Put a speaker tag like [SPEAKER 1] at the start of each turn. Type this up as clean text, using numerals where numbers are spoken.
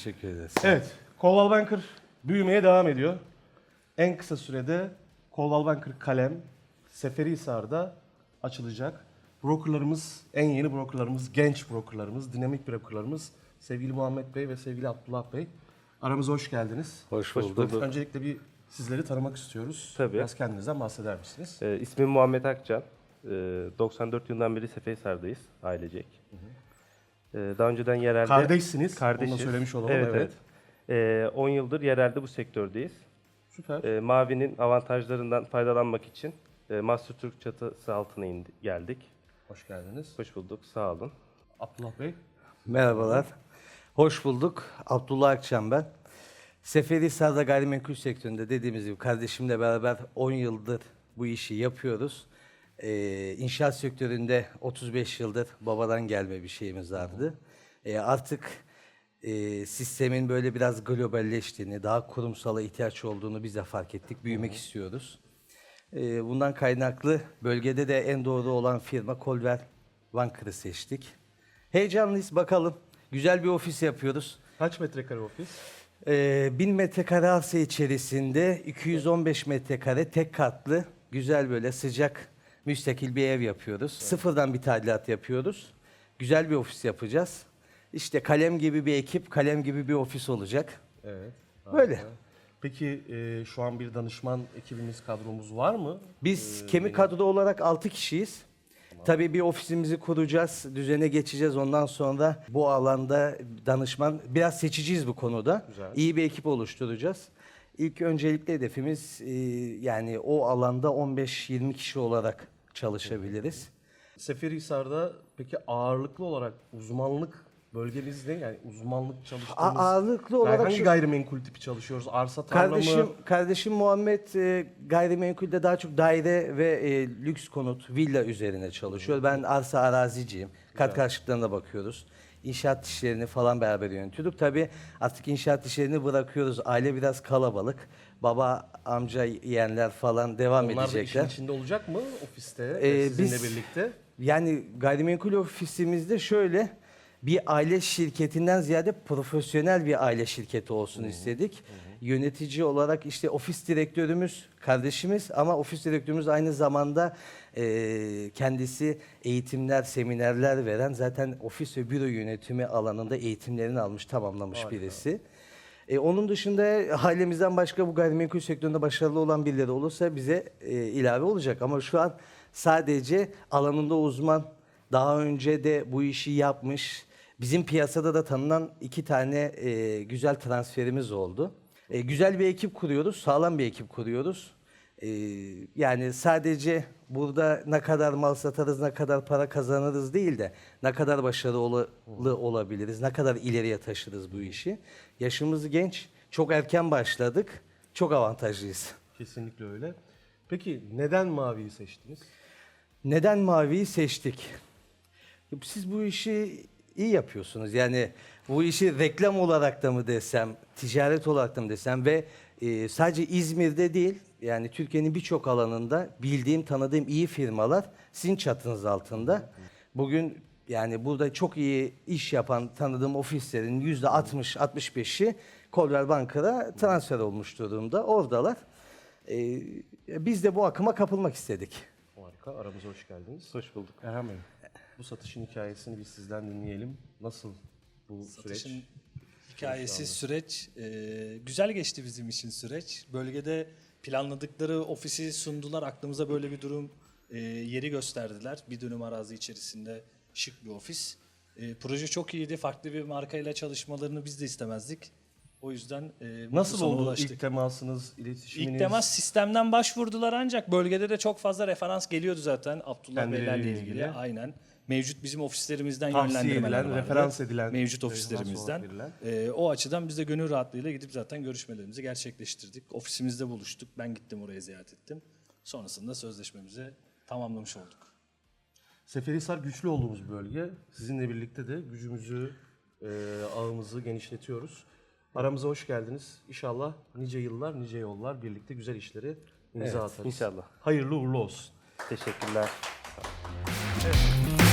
[SPEAKER 1] Teşekkür ederiz.
[SPEAKER 2] Evet, Coldwell Banker büyümeye devam ediyor. En kısa sürede Coldwell Banker Kalem Seferihisar'da açılacak. Brokerlarımız, en yeni brokerlarımız, genç brokerlarımız, dinamik brokerlarımız sevgili Muhammed Bey ve sevgili Abdullah Bey. Aramıza hoş geldiniz.
[SPEAKER 1] Hoş bulduk.
[SPEAKER 2] Öncelikle bir sizleri tanımak istiyoruz.
[SPEAKER 3] Tabii.
[SPEAKER 2] Biraz kendinizden bahseder misiniz?
[SPEAKER 3] İsmim Muhammed Akcan. 94 yılından beri Seferihisar'dayız ailecek. Daha önceden yerelde...
[SPEAKER 2] Kardeşsiniz,
[SPEAKER 3] Kardeşiz.
[SPEAKER 2] onu da söylemiş olalım.
[SPEAKER 3] Evet, evet. 10 yıldır yerelde bu sektördeyiz.
[SPEAKER 2] Süper.
[SPEAKER 3] Mavi'nin avantajlarından faydalanmak için Master Türk çatısı altına geldik.
[SPEAKER 2] Hoş geldiniz.
[SPEAKER 3] Hoş bulduk, sağ olun.
[SPEAKER 2] Abdullah Bey.
[SPEAKER 1] Merhabalar. Hoş bulduk. Abdullah Akçam ben. Seferihisar'da gayrimenkul sektöründe dediğimiz gibi kardeşimle beraber 10 yıldır bu işi yapıyoruz. İnşaat sektöründe 35 yıldır babadan gelme bir şeyimiz vardı. Artık sistemin böyle biraz globalleştiğini, daha kurumsala ihtiyaç olduğunu biz de fark ettik. Büyümek istiyoruz. Bundan kaynaklı bölgede de en doğru olan firma Coldwell Banker'ı seçtik. Heyecanlıyız, bakalım. Güzel bir ofis yapıyoruz.
[SPEAKER 2] Kaç metrekare ofis?
[SPEAKER 1] 1000 metrekare arsa içerisinde 215 metrekare tek katlı, güzel böyle sıcak, müstakil bir ev yapıyoruz. Sıfırdan bir tadilat yapıyoruz. Güzel bir ofis yapacağız. İşte kalem gibi bir ekip, kalem gibi bir ofis olacak.
[SPEAKER 2] Evet.
[SPEAKER 1] Böyle.
[SPEAKER 2] Peki şu an bir danışman ekibimiz, kadromuz var mı?
[SPEAKER 1] Biz kemik kadro olarak 6 kişiyiz. Tabii bir ofisimizi kuracağız, düzene geçeceğiz. Ondan sonra bu alanda danışman, biraz seçiciyiz bu konuda.
[SPEAKER 2] Güzel.
[SPEAKER 1] İyi bir ekip oluşturacağız. İlk öncelikle hedefimiz yani o alanda 15-20 kişi olarak çalışabiliriz.
[SPEAKER 2] Seferihisar'da peki ağırlıklı olarak uzmanlık bölgemiz ne? Yani uzmanlık çalıştığımız...
[SPEAKER 1] Ağırlıklı olarak
[SPEAKER 2] hangi gayrimenkul tipi çalışıyoruz? Arsa, tarla mı?
[SPEAKER 1] Kardeşim Muhammed gayrimenkulde daha çok daire ve lüks konut, villa üzerine çalışıyor. Ben arsa araziciyim. Kat karşılıklarına bakıyoruz. İnşaat işlerini falan beraber yönetiyorduk. Tabii artık inşaat işlerini bırakıyoruz. Aile biraz kalabalık. Baba, amca, yeğenler falan devam
[SPEAKER 2] Onlar da işin
[SPEAKER 1] edecekler.
[SPEAKER 2] içinde olacak mı ofiste sizinle
[SPEAKER 1] biz-
[SPEAKER 2] birlikte?
[SPEAKER 1] Yani gayrimenkul ofisimizde şöyle bir aile şirketinden ziyade profesyonel bir aile şirketi olsun istedik. Yönetici olarak işte ofis direktörümüz kardeşimiz ama ofis direktörümüz aynı zamanda kendisi eğitimler, seminerler veren, zaten ofis ve büro yönetimi alanında eğitimlerini almış, tamamlamış birisi. Onun dışında ailemizden başka bu gayrimenkul sektöründe başarılı olan birileri olursa bize ilave olacak. Ama şu an sadece alanında uzman, daha önce de bu işi yapmış, bizim piyasada da tanınan 2 tane güzel transferimiz oldu. Güzel bir ekip kuruyoruz, sağlam bir ekip kuruyoruz. Yani sadece burada ne kadar mal satarız, ne kadar para kazanırız değil de ne kadar başarılı olabiliriz, ne kadar ileriye taşırız bu işi. Yaşımız genç, çok erken başladık, çok avantajlıyız.
[SPEAKER 2] Kesinlikle öyle. Peki neden maviyi seçtiniz?
[SPEAKER 1] Neden maviyi seçtik? Siz bu işi iyi yapıyorsunuz. Yani bu işi reklam olarak da mı desem, ticaret olarak da mı desem ve sadece İzmir'de değil, yani Türkiye'nin birçok alanında bildiğim, tanıdığım iyi firmalar sizin çatınız altında. Bugün yani burada çok iyi iş yapan tanıdığım ofislerin %60-65'i Coldwell Banker'a transfer olmuş durumda. Oradalar. Biz de bu akıma kapılmak istedik.
[SPEAKER 2] Harika, aramıza hoş geldiniz.
[SPEAKER 3] Hoş bulduk.
[SPEAKER 2] Erhan Bey, bu satışın hikayesini biz sizden dinleyelim. Nasıl bu
[SPEAKER 4] Satışın
[SPEAKER 2] süreç?
[SPEAKER 4] hikayesi, süreç güzel geçti bizim için süreç. Bölgede planladıkları ofisi sundular. Aklımıza böyle bir durum yeri gösterdiler. Bir dönüm arazi içerisinde şık bir ofis. Proje çok iyiydi. Farklı bir markayla çalışmalarını biz de istemezdik. O yüzden bu
[SPEAKER 2] Nasıl
[SPEAKER 4] sona
[SPEAKER 2] oldu
[SPEAKER 4] ulaştık.
[SPEAKER 2] ilk temasınız, iletişiminiz?
[SPEAKER 4] İlk temas sistemden başvurdular ancak bölgede de çok fazla referans geliyordu zaten Abdullah
[SPEAKER 2] Kendileriyle
[SPEAKER 4] Beylerle
[SPEAKER 2] ilgili.
[SPEAKER 4] ilgili. Aynen. Mevcut bizim ofislerimizden
[SPEAKER 2] Tavsiye
[SPEAKER 4] yönlendirmeler
[SPEAKER 2] edilen,
[SPEAKER 4] vardı.
[SPEAKER 2] referans edilen,
[SPEAKER 4] Mevcut
[SPEAKER 2] referans
[SPEAKER 4] ofislerimizden.
[SPEAKER 2] olarak verilen.
[SPEAKER 4] O açıdan biz de gönül rahatlığıyla gidip zaten görüşmelerimizi gerçekleştirdik. Ofisimizde buluştuk. Ben gittim oraya ziyaret ettim. Sonrasında sözleşmemizi tamamlamış olduk.
[SPEAKER 2] Seferihisar güçlü olduğumuz bir bölge. Sizinle birlikte de gücümüzü, ağımızı genişletiyoruz. Aramıza hoş geldiniz. İnşallah nice yıllar, nice yollar birlikte güzel işleri imza atarız.
[SPEAKER 3] inşallah.
[SPEAKER 2] Hayırlı uğurlu olsun.
[SPEAKER 3] Teşekkürler.
[SPEAKER 2] Evet.